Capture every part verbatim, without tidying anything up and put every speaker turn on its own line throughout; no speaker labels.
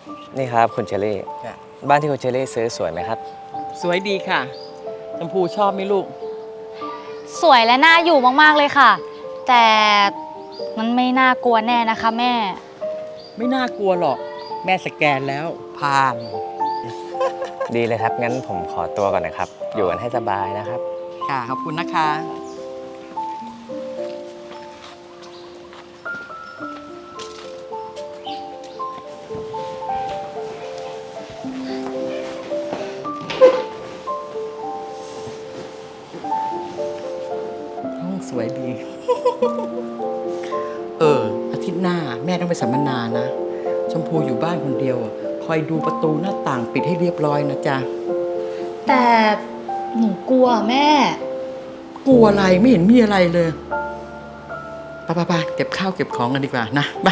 นี่ครับคุณเชอรี่บ้านที่คุณเชอรี่ซื้อสวยไหมครับ
สวยดีค่ะชมพูชอบไหมลูก
สวยและน่าอยู่มากๆเลยค่ะ แต่มันไม่น่ากลัวแน่นะคะแม่
ไม่น่ากลัวหรอกแม่สแกนแล้วผ่าน
ดีเลยครับงั้นผมขอตัวก่อนนะครับอยู่กันให้สบายนะครับ
ค่ะขอบคุณนะคะห้องสวยดี เอออาทิตย์หน้าแม่ต้องไปสัมมนานะชมพูอยู่บ้านคนเดียวคอยดูประตูหน้าต่างปิดให้เรียบร้อยนะจ๊ะ
แต่หนูกลัวแม่
กลัวอะไรไม่เห็นมีอะไรเลยไปไปไปเก็บข้าวเก็บของกันดีกว่านะไป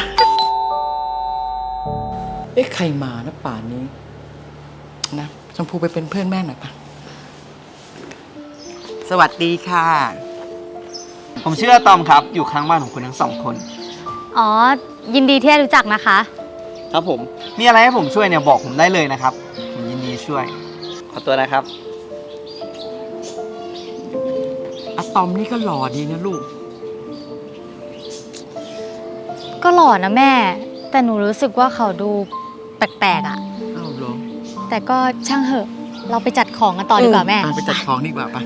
เอ๊ะใครมานะป่านนี้นะชมพูไปเป็นเพื่อนแม่หน่อยปะสวัสดีค่ะ
ผมชื่ออะตอมครับอยู่ข้างบ้านของคุณทั้งสองคน
อ๋อยินดีที่ได้รู้จักนะคะ
ครับผมมีอะไรให้ผมช่วยเนี่ยบอกผมได้เลยนะครับผมยินดีช่วยขอตัวนะครับ
อะตอมนี่ก็หล่อดีนะลูก
ก็หล่อนะแม่แต่หนูรู้สึกว่าเขาดูแปลกๆอ่ะ
อ้าวเหรอ
แต่ก็ช่างเหอะเราไปจัดของกันต่อดีกว่าแม่
ไปจัดของดีกว่าปะ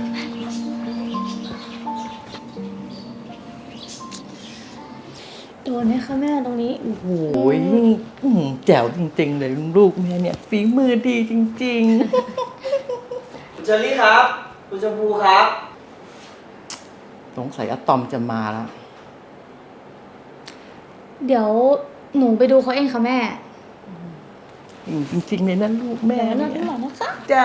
โดนไหมคะแม่ตรงนี้
โอ้โหแจ๋วจริงๆเลยลูกแม่เนี่ยฝีมือดีจริง
ๆคุณเชอรี่ครับคุณชมพูครับ
สงสัยอะตอมจะมาแล้ว
เดี๋ยวหนูไปดูเขาเองค่ะแม่
จริงๆเลยนะลูกแม่
เนี่ย
นะ
นะคะ
จ้า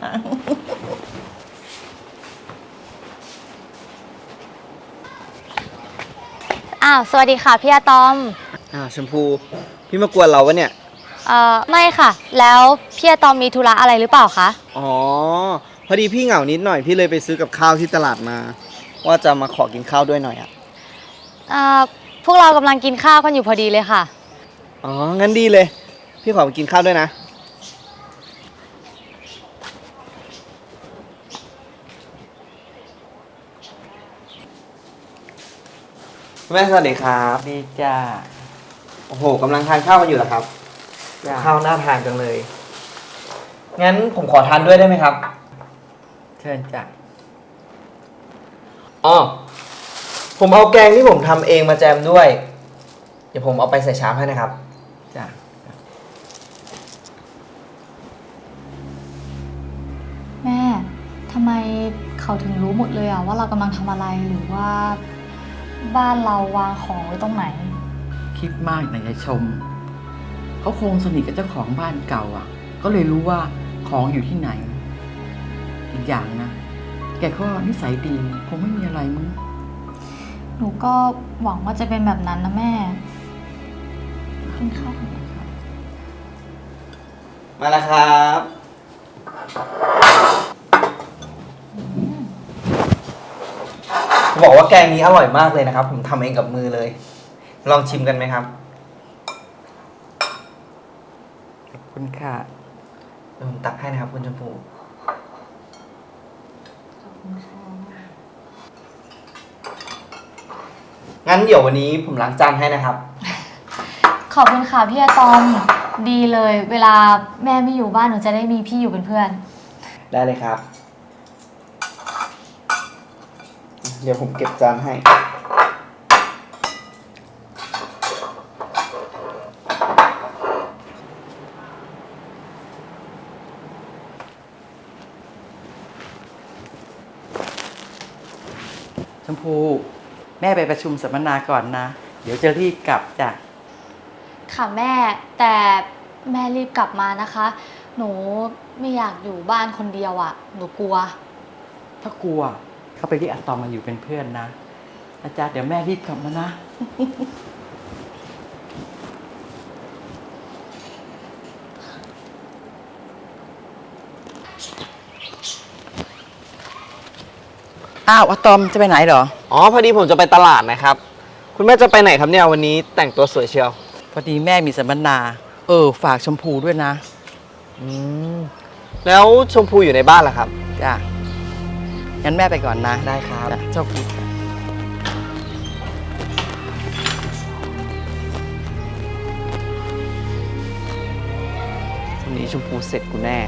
อ้าวสวัสดีค่ะพี่อาตอม
อ้าวชมพูพี่มากวนเราวะเนี่ย
เอ่อไม่ค่ะแล้วพี่อาตอมมีธุระอะไรหรือเปล่าคะ
อ๋อพอดีพี่เหงานิดหน่อยพี่เลยไปซื้อกับข้าวที่ตลาดมาว่าจะมาขอกินข้าวด้วยหน่อยอ่ะ
อ่าพวกเรากำลังกินข้าวกันอยู่พอดีเลยค่ะ
อ๋องั้นดีเลยพี่ขอไปกินข้าวด้วยนะแม่สวัสดีครับ
ดีจ้า
โอ้โหกำลังทานข้าวกันอยู่เหรอครับข้าวน่าทานจังเลยงั้นผมขอทานด้วยได้ไหมครับ
เชิญจ้ะ
อ๋อผมเอาแกงที่ผมทำเองมาแจมด้วยเดี๋ยวผมเอาไปใส่ชามให้นะครับ
จ้ะ
แม่ทำไมเขาถึงรู้หมดเลยอะว่าเรากำลังทำอะไรหรือว่าบ้านเราวางของไว้ตรงไหน
คิดมากนะยายชมเขาคงสนิทกับเจ้าของบ้านเก่าอ่ะก็เลยรู้ว่าของอยู่ที่ไหนอีกอย่างนะแกก็นิสัยดีคงไม่มีอะไรมั้ง
หนูก็หวังว่าจะเป็นแบบนั้นนะแม่กินข้าว
มาแล้วครับบอกว่าแกงนี้อร่อยมากเลยนะครับผมทำเองกับมือเลยลองชิมกันไหมครับ
ขอบคุณค่ะ
เดี๋ยวผมตักให้นะครับคุณชมพูงั้นเดี๋ยววันนี้ผมล้างจานให้นะครับ
ขอบคุณค่ะพี่อาตอมดีเลยเวลาแม่ไม่อยู่บ้านหนูจะได้มีพี่อยู่เป็นเพื่อน
ได้เลยครับเดี๋ยวผมเก็บจานให้
ชมพูแม่ไปประชุมสัมมนาก่อนนะเดี๋ยวจะรีบกลับจ้ะ
ค่ะแม่แต่แม่รีบกลับมานะคะหนูไม่อยากอยู่บ้านคนเดียวอ่ะหนูกลัว
ถ้ากลัวเขาไปเรียกอะตอมมาอยู่เป็นเพื่อนนะอาจารย์เดี๋ยวแม่รีบกลับมานะอ้าวอะตอมจะไปไหนเหรอ
อ๋อพอดีผมจะไปตลาดนะครับคุณแม่จะไปไหนครับเนี่ยวันนี้แต่งตัวสวยเชียว
พอดีแม่มีสัมมนา เอเออ ฝากชมพูด้วยนะ
อืม แล้วชมพูอยู่ในบ้านเหรอครับ
จ้ะ งั้นแม่ไปก่อนนะ
ได้ครับ
จ้ะโชคดีจ้ะ
วันนี้ชมพูเสร็จกูแน่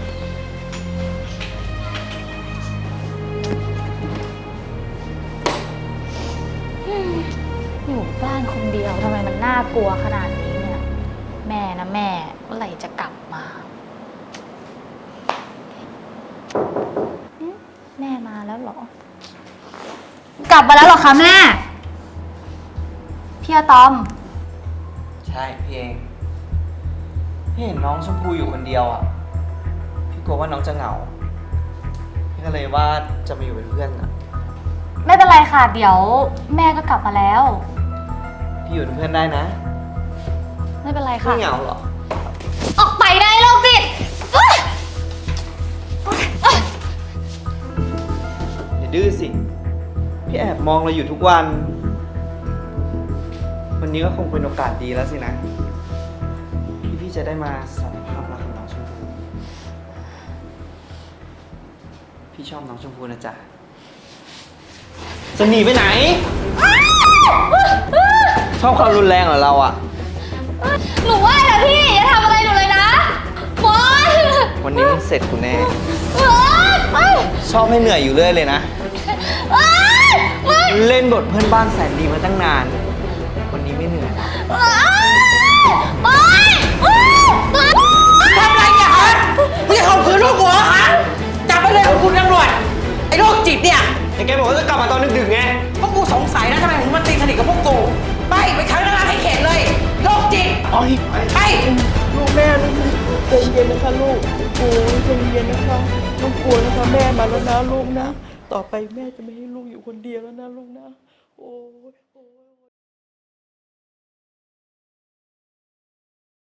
อยู่บ้านคนเดียวทำไมมันน่ากลัวขนาดนี้เนี่ย แม่นะแม่เมื่อไหร่จะกลับมาหึแม่มาแล้วเหรอ กลับมาแล้วเหรอคะแม่ พี่อะตอม
ใช่พี่เอง พี่เห็นน้องชมพูอยู่คนเดียวอ่ะ พี่กลัวว่าน้องจะเหงา พี่ก็เลยว่าจะมาอยู่เป็นเพื่อนอ่ะ
ไม่เป็นไรค่ะ เดี๋ยวแม่ก็กลับมาแล้ว
พี่อยู่เป็นเพื่อนได้นะ
ไม่เป็นไรค่ะ
ไม่เหงาหรอ
ออกไปได้โรคจิตเอ้ย
อย่าดื้อสิ พี่แอบมองเราอยู่ทุกวัน วันนี้ก็คงเป็นโอกาสดีแล้วสินะ ที่พี่จะได้มาสารภาพรักกับน้องชมพู พี่ชอบน้องชมพูนะจ๊ะ จะหนีไปไหน ชอบความรุนแรงเหรอเราอ่ะ
หนูว่านะพี่อย่าทำอะไรหนูเลยนะบอส
วันนี้มึงเสร็จกูแน่
เอ้ยเอ้ย
ชอบให้เหนื่อยอยู่เรื่อยเลยนะ
เอ้ยเอ้ย
เล่นบทเพื่อนบ้านแสนดีมาตั้งนาน วันนี้ไม่เหนื่อย
เอ้ยเอ้ยเอ้ยเอ้ย
ทำอะไรเนี่ยฮะมึงจะข่มขืนลูกหัวฮะ จับไปเลยคุณตำรวจ ไอ้โรคจิตเนี่ย
แต่แกบอกว่าจะกลับมาตอนดึกๆไง
พวกกูสงสัยนะทำไมถึงมาตีสนิทกับพวกกู ไปไปขังนางให้เข็ดเลย โรคจิต
โอ้ย
ไป
ลูกแม่ลูกใจเย็นนะคะลูกโอ้ยใจเย็นนะคะลูกกลัวนะคะแม่มาแล้วนะลูกนะ ต่อไปแม่จะไม่ให้ลูกอยู่คนเดียวแล้วนะลูกนะ โอ้ยโอ้ย